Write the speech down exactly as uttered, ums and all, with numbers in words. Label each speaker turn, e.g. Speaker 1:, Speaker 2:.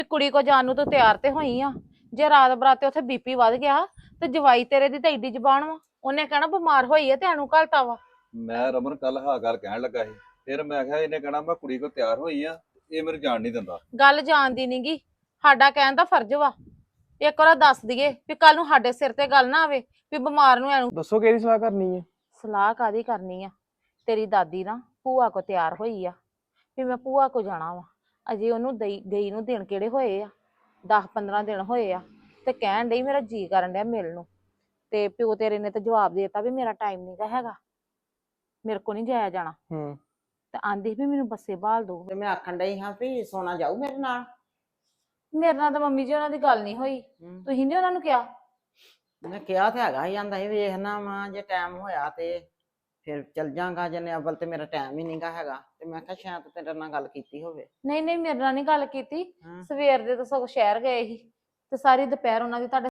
Speaker 1: ਕੁੜੀ ਕੋ ਜਾਣ ਨੂੰ ਤੂੰ ਤਿਆਰ ਤੇ ਹੋਈ ਆ। ਜੇ ਰਾਤ ਬਰਾਤੇ ਉੱਥੇ ਬੀਪੀ ਵੱਧ ਗਿਆ ਤੇ ਜਵਾਈ ਤੇਰੇ ਦੀ ਤਾਂ ਏਡੀ ਜ਼ਬਾਨ ਵਾ, ਉਹਨੇ ਕਹਿਣਾ ਬਿਮਾਰ ਹੋਈ ਆ ਤੇ ਇਹਨੂੰ ਘਲਤਾ ਵਾ।
Speaker 2: ਮੈਂ ਰਮਨ ਕੱਲ ਹਾਂ ਗੱਲ ਕਹਿਣ ਲੱਗਾ ਸੀ, ਫਿਰ ਮੈਂ ਕਿਹਾ ਇਹਨੇ ਕਹਿਣਾ ਮੈਂ ਕੁੜੀ ਕੋ ਤਿਆਰ ਹੋਈ ਆ, ਇਹ ਮੈਨੂੰ ਜਾਣ ਨਹੀਂ ਦਿੰਦਾ।
Speaker 1: ਗੱਲ ਜਾਣਦੀ ਨੀਗੀ, ਸਾਡਾ ਕਹਿਣ ਦਾ ਫਰਜ਼ ਵਾ। ਇੱਕ ਵਾਰ ਦੱਸ ਦਈਏ ਵੀ ਕੱਲ ਨੂੰ ਸਾਡੇ ਸਿਰ ਤੇ ਗੱਲ ਨਾ ਆਵੇ ਵੀ ਬਿਮਾਰ ਨੂੰ ਇਹਨੂੰ।
Speaker 3: ਦੱਸੋ ਕਿਹੜੀ ਸਲਾਹ ਕਰਨੀ ਹੈ?
Speaker 1: ਸਲਾਹ ਕਾਦੀ ਕਰਨੀ ਆ? ਤੇਰੀ ਦਾਦੀ ਨਾ ਭੂਆ ਕੋ ਤਿਆਰ ਹੋਈ ਆ ਵੀ ਮੈਂ ਭੂਆ ਕੋ ਜਾਣਾ ਵਾ। ਅਜੇ ਉਹਨੂੰ ਦਈ ਗਈ ਨੂੰ ਦਿਨ ਕਿਹੜੇ ਹੋਏ ਆ, ਦਸ ਪੰਦਰਾਂ ਦਿਨ ਹੋਏ ਆ, ਤੇ ਕਹਿਣ ਡਈ ਮੇਰਾ ਜੀ ਕਰਨ ਡਿਆ ਮਿਲਣ ਨੂੰ। ਤੇ ਪਿਓ ਤੇਰੇ ਨੇ ਤਾਂ ਜਵਾਬ ਦੇ ਦਿੱਤਾ ਵੀ ਮੇਰਾ ਟਾਈਮ ਨੀ ਗਾ ਹੈਗਾ, ਮੇਰੇ ਕੋ ਨਹੀਂ ਜਾਇਆ ਜਾਣਾ।
Speaker 3: ਹੂੰ।
Speaker 1: ਤੇ ਆਂਦੀ ਵੀ ਮੈਨੂੰ ਬੱਸੇ ਬਾਲ ਦੋ।
Speaker 4: ਤੇ ਮੈਂ ਆਖਣ ਡਈ ਹਾਂ ਵੀ ਸੋਨਾ ਜਾਊ ਮੇਰੇ ਨਾਲ।
Speaker 1: ਮੇਰੇ ਨਾਲ ਤਾਂ ਮੰਮੀ ਜੀ ਉਹਨਾਂ ਦੀ ਗੱਲ ਨਹੀਂ ਹੋਈ।
Speaker 4: ਹੂੰ।
Speaker 1: ਤੁਸੀਂ ਨੀ ਉਹਨਾਂ ਨੂੰ ਕਿਹਾ?
Speaker 4: ਮੈਂ ਕਿਹਾ ਤੇ ਹੈਗਾ ਹੀ, ਆਂਦਾ ਸੀ ਵੇਖਣਾ ਵਾ ਜੇ ਟਾਈਮ ਹੋਇਆ ਤੇ ਫਿਰ ਚੱਲ ਜਾਂਗਾ, ਜਨੇ ਅਵਲ ਤੇ ਮੇਰਾ ਟਾਈਮ ਹੀ ਨਹੀਂਗਾ ਹੈਗਾ। ਤੇ ਮੈਂ ਕਿਹਾ ਸ਼ਾਇਦ ਤੇਰੇ ਨਾਲ ਗੱਲ ਕੀਤੀ ਹੋਵੇ।
Speaker 1: ਨਹੀਂ ਨਹੀਂ, ਮੇਰੇ ਨਾਲ ਨਹੀਂ ਗੱਲ ਕੀਤੀ।
Speaker 4: ਹਾਂ।
Speaker 1: ਸਵੇਰ ਦੇ ਤਾਂ ਸਗੋਂ ਸ਼ਹਿਰ ਗਏ ਸੀ ਤੇ ਸਾਰੀ ਦੁਪਹਿਰ ਉਹਨਾਂ ਦੀ ਤੁਹਾਡੇ